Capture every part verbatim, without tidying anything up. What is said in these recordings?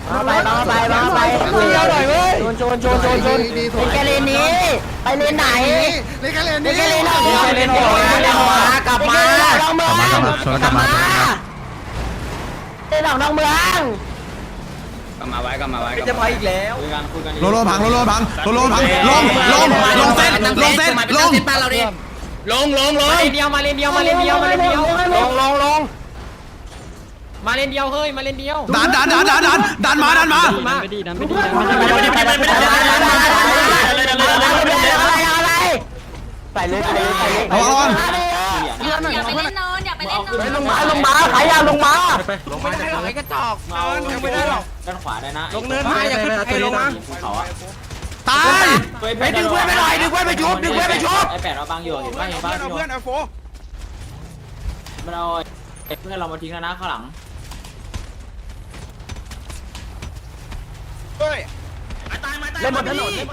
ไปมาไปมาไปชนชนชนชนชนเป็นแกเลนนี้ไปเลนไหนเลนแกเลนนี้เลนออกเลนออกเลนออกกลับมากลับมากลับมาชนกลับมาเลนออกนอกเมืองกลับมาไว้กลับมาไว้จะไปอีกแล้วโลโลพังโลโลพังโลโลพังลงลงลงเซตลงเซตลงลงลงลงมาเลนเดียวมาเลนเดียวมาเลนเดียวมาเลนเดียวลงลงลงมาเลนเดียวเฮ้ยมาเลนเดียวดันดันดันดันดันดันมาดันมาไปดีดันไปดีดันไปดีอะไรใส่เลยใส่เลยใส่เลยเอาเอาอย่าไปเล่นนอนอย่าไปเล่นนอนลงมาลงมาขายยาลงมาลงมาจะไอ้กระจอกเนินยังไม่ได้หรอกด้านขวาได้นะลงเนินมาอย่าขึ้นไอ้ลงมาเขาอะตายไปดึงเพื่อนไปหน่อยดึงเพื่อนไปชุบดึงเพื่อนไปชุบไอ้แปดเราบังอยู่เห็นป่ะเห็นป่ะเพื่อนเอาโฟมันเอาเพื่อนเรามาทิ้งแล้วนะข้างหลังเฮ้ยเล่นหมดถนน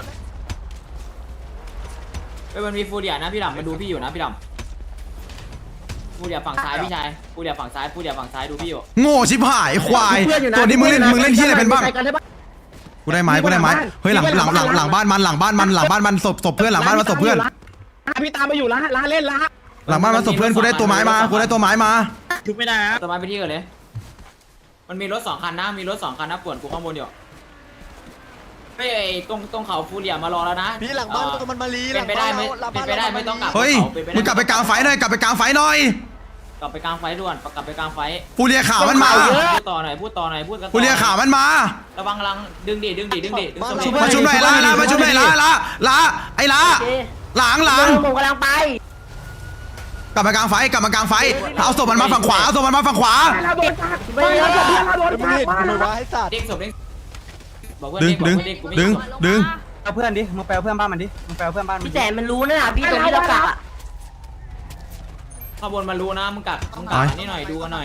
เฮ้ยมันมีฟูเดียนะพี่ดำมาดูพี่อยู่นะพี่ดำฟูเดียฝั่งซ้ายพี่ชายฟูเดียฝั่งซ้ายฟูเดียฝั่งซ้ายดูพี่อยู่โง่ชิบหายควายตัวนี้มึงเล่นมึงเล่นที่อะไรเป็นบ้างกูได้ไม้กูได้ไม้เฮ้ยหลังหลังหลังหลังบ้านมันหลังบ้านมันหลังบ้านมันศพศพเพื่อนหลังบ้านมันศพเพื่อนพี่ตามมาอยู่ละละเล่นละหลังบ้านมันศพเพื่อนกูได้ตัวไม้มากูได้ตัวไม้มาชุบไม่ได้ครับตัวไม้ไปที่กันเลยมันมีรถสองคันนะมีรถสองคันนะป่วนกูข้างบนอยู่ไม่ไอ้ตรงตรงเขาฟูเดียมารอแล้วนะพี่หลังบ้านตัวมันมาลีเป็นไปได้ไม่เป็นไปได้ไม่ต้องกลับเฮ้ยมึงกลับไปกลางไฟหน่อยกลับไปกลางไฟหน่อยกลับไปกลางไฟด่วนกลับไปกลางไฟฟูเรียข่าวมันมาพูดต่อหน่อยพูดต่อหน่อยพูดกันฟูเรียข่าวมันมาระวังลังดึงดิดึงดิดึงดิมาชุบหน่อยละละมาชุบหน่อยละละละไอ้ละหลังหลังผมกำลังไปกลับมากลางไฟกลับมากลางไฟเอาศพมันมาฝั่งขวาเอาศพมันมาฝั่งขวาไม่เอาศพเพื่อนเราโดนจับมาให้สัตว์เด้งศพเด้งดึงดึงดึงดึงเอาเพื่อนดิมึงไปเอาเพื่อนบ้านมันดิมึงไปเอาเพื่อนบ้านพี่แสนมันรู้นะพี่ตรงที่เรากลับอ่ะข้างบนมารู้นะมึงกัดมึงกัดนี่หน่อยดูกันหน่อย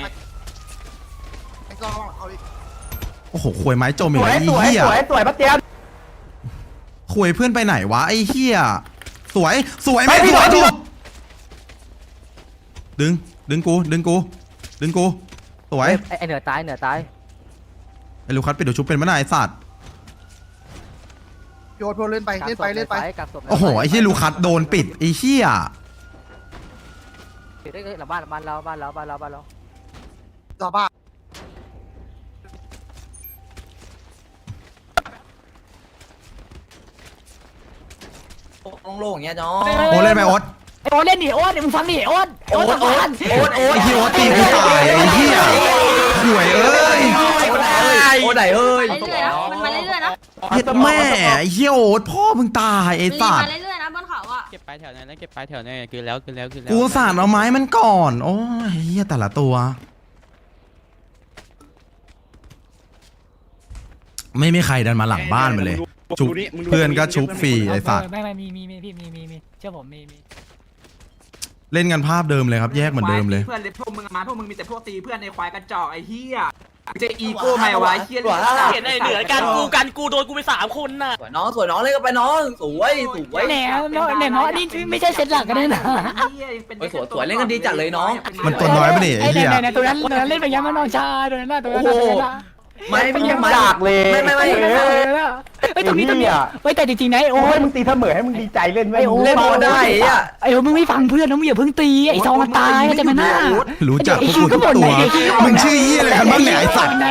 โอ้โหขวยไม้จมอีกแล้วไอ้เหี้ยสวยสวยป้าเตี้ยขวยเพื่อนไปไหนวะไอ้เหี้ยสวยสวยไม่สวยถูกดึงดึงกูดึงกูดึงกูสวยไอ้เหนือตายเหนือตายไอ้ลูกคัสไปดูชุบเป็นมะนาวไอ้สัตว์โยนโยนเล่นไปเล่นไปเล่นไปโอ้โหไอ้เหี้ยลูกคัสโดนปิดไอ้เหี้ยปิดได้เลยหลังบ้านบ้านเราบ้านเราบ้านเราบ้านเราต่อบ้านโล่งๆอย่างเงี้ยจ้อโอ้เล่นไปโอ๊ตโอ๊ตเล่นดิโอ๊ตมึงฟังดิโอ๊ตโอ๊ตโอ๊ตโอ๊ตโอ๊ตไอ้เหี้ยโอ๊ตตีกูตายไอ้เหี้ยห่วยเอ้ยโอ๊ตไหนเอ้ยเรื่อยๆนะมันมาเรื่อยๆนะเหี้ยแม่ไอ้เหี้ยโอ๊ตพ่อมึงตายไอ้สัตว์มาเรื่อยๆนะบนเขาอ่ะเก็บปลายแถวไหนแล้วเก็บปลายแถวไหนคือแล้วคือแล้วคือแล้วกูสาดเอาไม้มันก่อนโอ้ยเหี้ยแต่ละตัวไม่มีใครเดินมาหลังบ้านมาเลยชุบเพื่อนก็ชุบฟรีไอ้สัตว์ไม่ไม่มีมีมีพี่มีมีมีเชื่อผมมีมีเล่นกันภาพเดิมเลยครับแยกเหมือนเดิมเลยเพื่อนพวกมึงมาพวกมึงมีแต่พวกตีเพื่อนในควายกระจอกไอ้เหี้ยจะอีโก้ไม่ไว้เหี้ยเห็นไอ้เหนือกันกูกันกูโดนกูไปสามคนน่ะสวยน้องสวยน้องเล่นกันไปน้องสวยสวยแหนมเนาะแหนมเนาะนี่ไม่ใช่เซตหลักกันเลยนะสวยสวยเล่นกันดีจัดเลยน้องมันตัวน้อยปะเนี่ยไอ้เหี้ยตัวนั้นตัวนั้นเล่นไปยังมันน้องชายตัวนั้นตัวนั้นไม่ไม่ยังจากเลยไม่ไม่ไม่ไอ้ตรงนี้ตรงนี้ไว้แต่จริงๆนะโอ้ยมึงตีเสมอให้มึงดีใจเล่นไว้เล่นบอลได้อ่ะไอ้โอ้มึงไม่ฟังเพื่อนนะมึงอย่าเพิ่งตีไอ้ซองมันตายก็จะมาหน้ารู้จักพวกกูทุกตัวมึงชื่อยี่อะไรกันบ้างเนี่ยไอ้สัตว์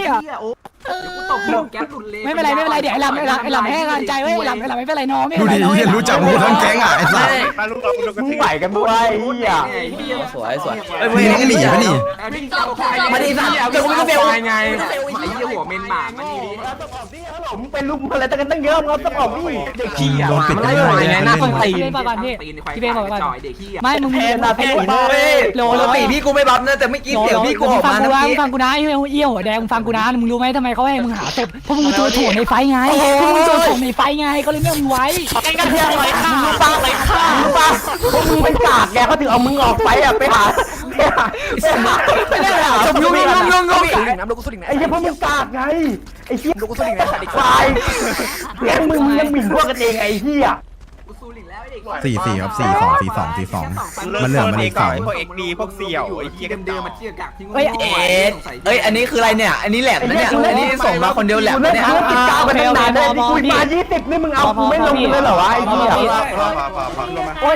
ไม่เป็นไรไม่เป็นไรเดี๋ยวไอ้ลำไอ้ลำไอ้ลำให้กำลังใจไว้ไอ้ลำไอ้ลำไม่เป็นไรน้องไม่ดูดิยี่รู้จักมึงทั้งแก๊งอ่ะไอ้สัตว์มึงไหวกันด้วยยี่สวยสวยมึงน้องหนีปะนี่มาดิสัตว์เดี๋ยวกูไม่เบลไงไอ้ยี่หัวเมนหมามาดิผมเป็นลุงอะไรตั้งตั้งเยอะเราต้องออกนี่เด็กขี้อ่ะมันไม่ไหวไงหน้าต้องตีนพี่เบ้บอกว่าไม่มึงเพนนะเพนโลโลตีพี่กูไม่บัฟนะแต่เมื่อกี้เสียงพี่กูออกมานะมึงฟังกูนะเอี้ยวเอี้ยวหัวแดงมึงฟังกูนะมึงรู้ไหมทำไมเขาให้มึงหาศพเพราะมึงตัวถ่วงในไฟไงเพราะมึงตัวถ่วงในไฟไงเขาเลยไม่มึงไว้กันเพื่อนเลยค่ะมึงป้าเลยค่ะมึงป้าพวกมึงเป็นกากแกเขาถึงเอามึงออกไปอ่ะไปหาไปหาไปหาไปหาศพลุงลุงลุงลุงน้ำลูกสุดไอ้เหี้ยพวกมึงกากไงไอ้เหี้ยลูกสุดไงควายเลี้ยงมึงยังหมิ่นพวกกันเองไอ้เหี้ยสี่สี่ครับสี่สองสี่สองสี่สองมันเหลือมันอีกสองพวกเอ็กดีพวกเสี่ยวไอ้เหี้ยเดิมๆมันเชื่อกากทิ้งเฮ้ยเอ็ดเฮ้ยอันนี้คืออะไรเนี่ยอันนี้แหลมนะเนี่ยอันนี้ส่งมาคนเดียวแหลมนะเนี่ยติดกาวกันตั้งนานเลยกูมายี่สิบนี่มึงเอากูไม่ลงเลยเหรอวะไอ้เหี้ยโอ้ย